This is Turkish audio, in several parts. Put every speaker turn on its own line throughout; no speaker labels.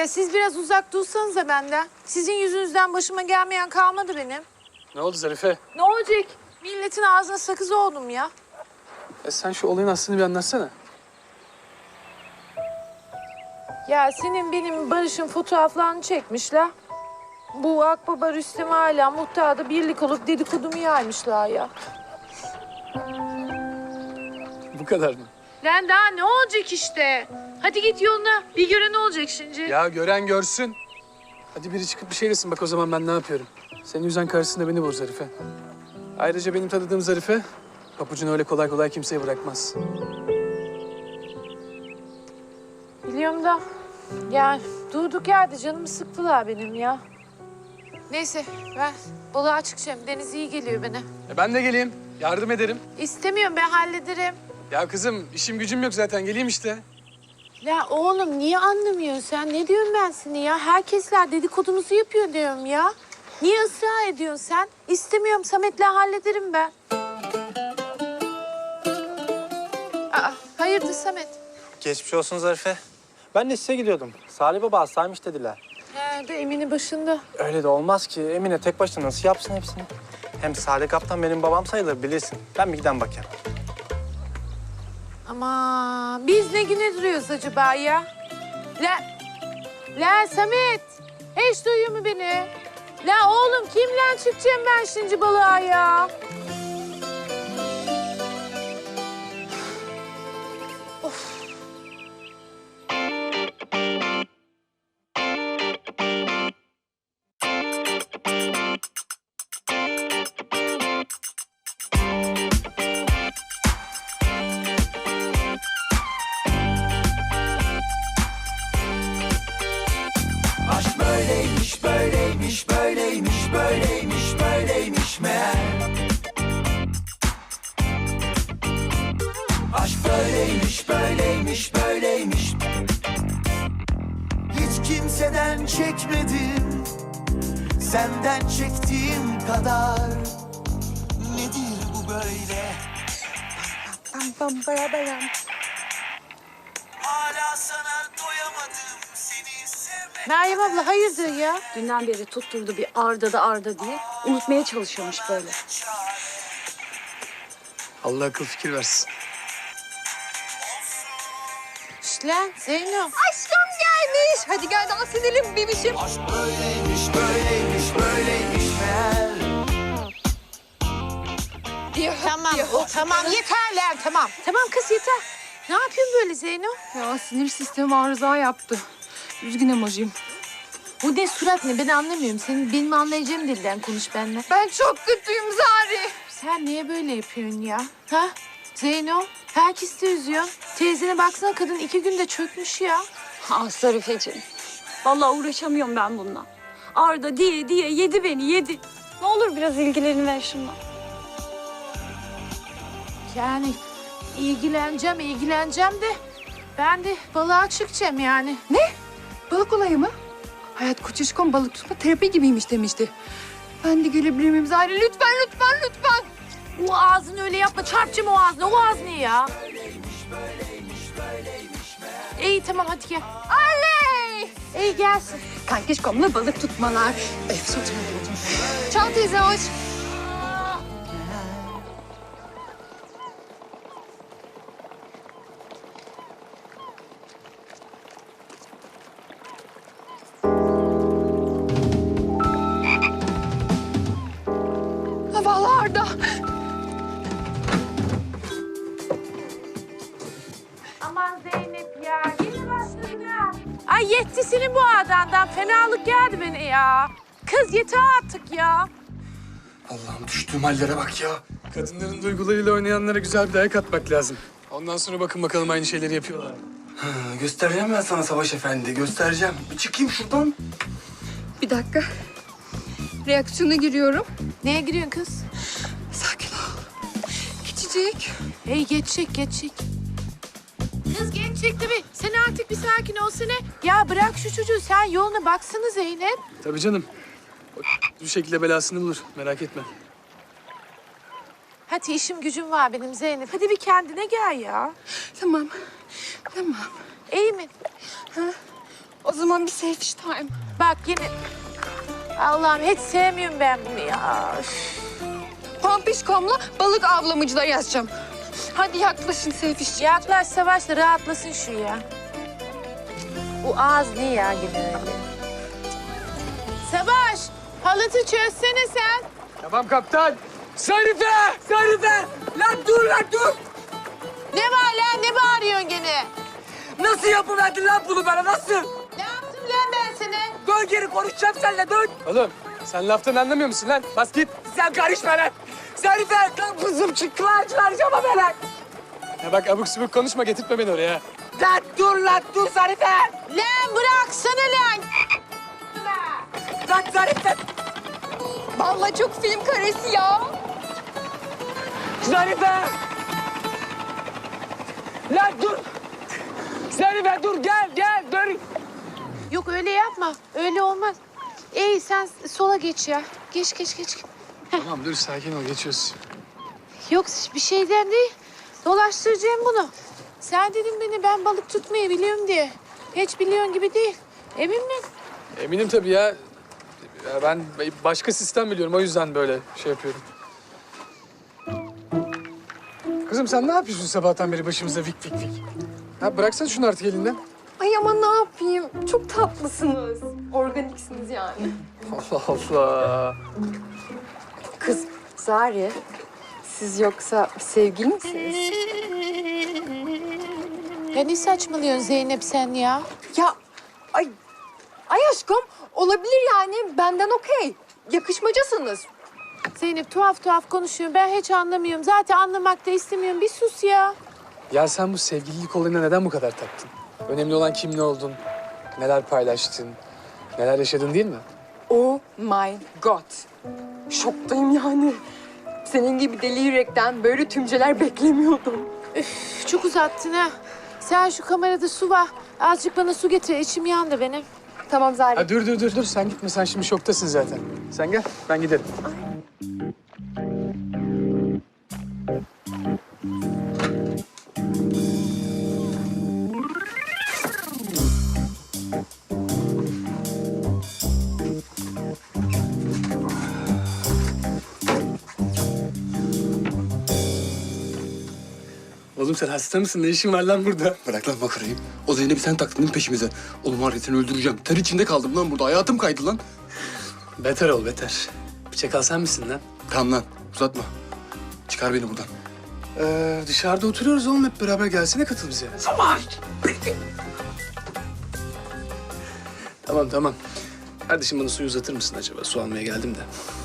Ya siz biraz uzak dursanıza benden. Sizin yüzünüzden başıma gelmeyen kalmadı benim.
Ne oldu Zarife?
Ne olacak? Milletin ağzına sakız oldum ya.
Sen şu olayın aslını bir anlatsana.
Ya senin benim Barış'ın fotoğraflarını çekmişler. Bu Akbaba Rüstem hala muhtarda birlik olup dedikodumu yaymışlar ya.
Bu kadar mı?
Lan daha ne olacak işte? Hadi git yoluna. Bir göre ne olacak şimdi?
Ya gören görsün. Hadi biri çıkıp bir şey desin bak o zaman ben ne yapıyorum. Senin yüzden karşısında beni vur Zarife. Ayrıca benim tanıdığım Zarife, papucunu öyle kolay kolay kimseye bırakmaz.
Biliyorum da yani durduk yerde canımı sıktılar benim ya. Neyse ben balığa çıkacağım. Deniz iyi geliyor bana.
Ben de geleyim, yardım ederim.
İstemiyorum ben hallederim.
Ya kızım işim gücüm yok zaten geleyim işte.
Ya oğlum niye anlamıyorsun sen? Ne diyorum ben seni ya? Herkesler dedikodumuzu yapıyor diyorum ya. Niye ısrar ediyorsun sen? İstemiyorum Samet'le hallederim ben. Aa, hayırdır Samet?
Geçmiş olsun Zarife. Ben de size gidiyordum. Salih Baba hastaymış dediler.
He de Emin'in başında.
Öyle de olmaz ki. Emine tek başına nasıl yapsın hepsini? Hem Salih Kaptan benim babam sayılır bilirsin. Ben bir giden bakayım.
Ama biz ne güne duruyoruz acaba ya? La Samet. Hiç duyuyor mu beni? La oğlum kimle çıkacağım ben şimdi balığa ya?
Aşk böyleymiş, böyleymiş, böyleymiş, böyleymiş, böyleymiş meğer. Aşk böyleymiş, böyleymiş, böyleymiş. Hiç kimseden çekmedim, senden çektiğim kadar. Nedir bu böyle? Hala sana doyamadım, seni sevmek.
Meryem abla hayırdır ya?
Dünden beri tutturdu bir Arda diye. Unutmaya çalışıyormuş böyle.
Allah akıl fikir versin.
Şş lan Zeyno.
Aşkım gelmiş. Hadi gel dans edelim bebişim.
Aşk böyleymiş, böyleymiş, böyleymiş meğer.
Tamam yeter lan tamam. Tamam kız yeter. Ne yapıyorsun böyle Zeyno?
Ya sinir sistemi arıza yaptı. Üzgün emojiyim.
Bu ne surat ne ben anlamıyorum. Senin benim anlayacağım dilden konuş benimle.
Ben çok kötüyüm Zari.
Sen niye böyle yapıyorsun ya? Ha? Zeyno, herkes de üzüyor. Teyzene baksana kadın 2 günde çökmüş ya.
Ah Zarifeciğim. Vallahi uğraşamıyorum ben bununla. Arda diye yedi beni yedi. Ne olur biraz ilgilerini ver şunla.
Yani ilgileneceğim de ben de balığa çıkacağım yani.
Balık olayı mı? Hayat Koçişkom balık tutma terapi gibiymiş demişti. Ben de gelebilir miyim Zahra? Lütfen.
O ağzını öyle yapma. Çarpacağım o ağzını. O ağzını ya. İyi tamam hadi gel.
Oley!
İyi gelsin.
Kankişkomla balık tutmalar. Çal teyze hoş. Vallahi Arda.
Aman Zeynep ya. Yine başladı ya. Ay yetti senin bu adandan. Fenalık geldi beni ya. Kız yeter artık ya.
Allah'ım düştüğüm hallere bak ya. Kadınların duygularıyla oynayanlara güzel bir dayak atmak lazım. Ondan sonra bakın bakalım aynı şeyleri yapıyorlar.
Göstereceğim ben sana Savaş Efendi, göstereceğim. Bir çıkayım şuradan.
Bir dakika. Reaksiyona giriyorum.
Neye giriyorsun kız?
Sakin ol. Geçecek.
Hey geçecek. Kız geçecek tabii. Sen artık bir sakin olsana. Ya bırak şu çocuğu. Sen yoluna baksana Zeynep.
Tabii canım. O bir şekilde belasını bulur. Merak etme.
Hadi işim gücüm var benim Zeynep. Hadi bir kendine gel ya.
Tamam.
İyi mi?
O zaman bir selfish time.
Bak yine... Allah'ım hiç sevmiyorum ben bunu ya. Üf.
Pampişkom'la balık avlamacılar yazacağım. Hadi yaklaşın selfish.
Yaklaş Savaş da rahatlasın şu ya. Bu ağız ne ya yine öyle? Savaş, halatı çözsene sen.
Tamam kaptan. Zarife! Zarife! Lan dur lan dur!
Ne var lan, ne bağırıyorsun gene?
Nasıl yapıverdin lan bunu bana nasıl?
Ne yaptım lan ben sana?
Dön geri konuşacağım seninle dön. Oğlum sen laftan anlamıyor musun lan? Bas git. Sen karışma lan. Zarife lan kızım çıklarcılarcama be lan. Ya bak abuk subuk konuşma getirtme beni oraya. Lan dur Zarife.
Lan bıraksana lan.
Lan Zarife.
Vallahi çok film karesi ya.
Zarife. Lan dur. Zarife dur gel dur.
Yok öyle yapma, öyle olmaz. İyi sen sola geç ya. Geç.
Tamam dur sakin ol geçiyoruz.
Yok bir şeyden değil. Dolaştıracağım bunu. Sen dedin beni ben balık tutmayı biliyorum diye. Hiç biliyorsun gibi değil. Emin misin?
Eminim tabii ya. Ya ben başka sistem biliyorum o yüzden böyle şey yapıyorum. Kızım sen ne yapıyorsun sabahtan beri başımıza vik. Ha bıraksana şunu artık elinden.
Ay ama ne yapayım? Çok tatlısınız. Organiksiniz yani.
Allah Allah.
Kız Zari, siz yoksa sevgili misiniz?
Ya ne saçmalıyorsun Zeynep sen ya?
Ya ay aşkım olabilir yani benden okey. Yakışmacasınız.
Zeynep tuhaf konuşuyor. Ben hiç anlamıyorum. Zaten anlamak da istemiyorum. Bir sus ya.
Ya sen bu sevgililik olayına neden bu kadar taktın? Önemli olan kim ne oldun, neler paylaştın, neler yaşadın değil mi?
Oh my god. Şoktayım yani. Senin gibi deli yürekten böyle tümceler beklemiyordum.
Üf, çok uzattın ha. Sen şu kamerada su var. Azıcık bana su getir. İçim yandı benim.
Tamam Zari.
Ha, dur sen gitme sen şimdi şoktasın zaten. Sen gel ben giderim. Oğlum sen hasta mısın? Ne işin var lan burada?
Bırak lan makarayı. O Zeynep'i sen taktın değil mi peşimize? Oğlum var ya seni öldüreceğim. Ter içinde kaldım lan burada. Hayatım kaydı lan.
Beter ol beter. Bıçak alsan mısın lan?
Tamam lan uzatma. Çıkar beni buradan.
Dışarıda oturuyoruz oğlum hep beraber gelsene katıl bize.
Savaş!
Tamam. Kardeşim bana suyu uzatır mısın acaba? Su almaya geldim de.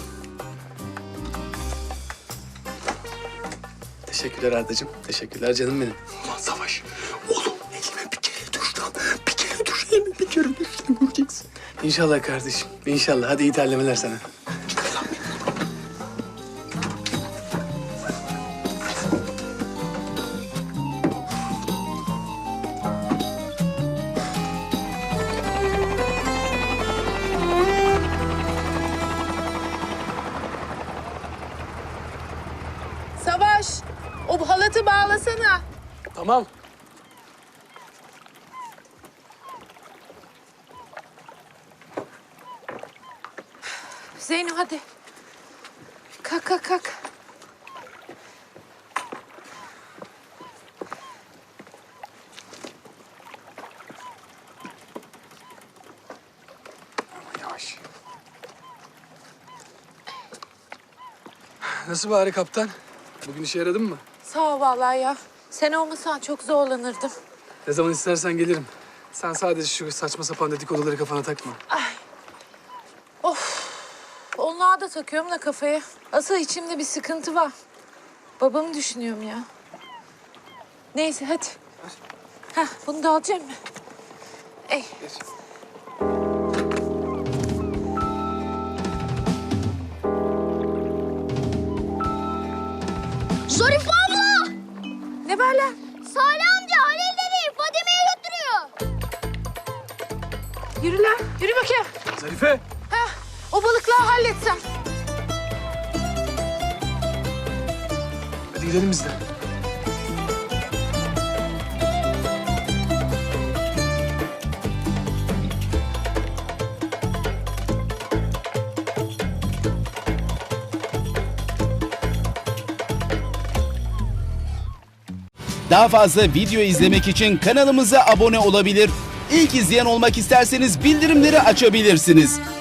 Teşekkürler Ardacığım. Teşekkürler canım benim.
Ulan Savaş. Oğlum elime bir kere düş lan. Bir kere düş elime bir kere düş. Sen göreceksin.
İnşallah kardeşim. İnşallah. Hadi iyi terlemeler sana.
Savaş, o halatı bağlasana.
Tamam.
Zeynep hadi. Kalk.
Yavaş. Nasıl bari kaptan? Bugün işe yaradın mı?
Sağ ol vallahi ya. Sen olmasan çok zorlanırdım.
Ne zaman istersen gelirim. Sen sadece şu saçma sapan dedikoduları kafana takma.
Onlara da takıyorum da kafaya. Asıl içimde bir sıkıntı var. Babamı düşünüyorum ya. Neyse hadi. Hah bunu da alacağım mı? Ey.
Zarife abla!
Ne var lan?
Salih amca Halil dedi Fadime'yi götürüyor.
Yürü lan. Yürü bakayım.
Zarife!
O balıkları halletsen.
Hadi gidelim biz de.
Daha fazla video izlemek için kanalımıza abone olabilir. İlk izleyen olmak isterseniz bildirimleri açabilirsiniz.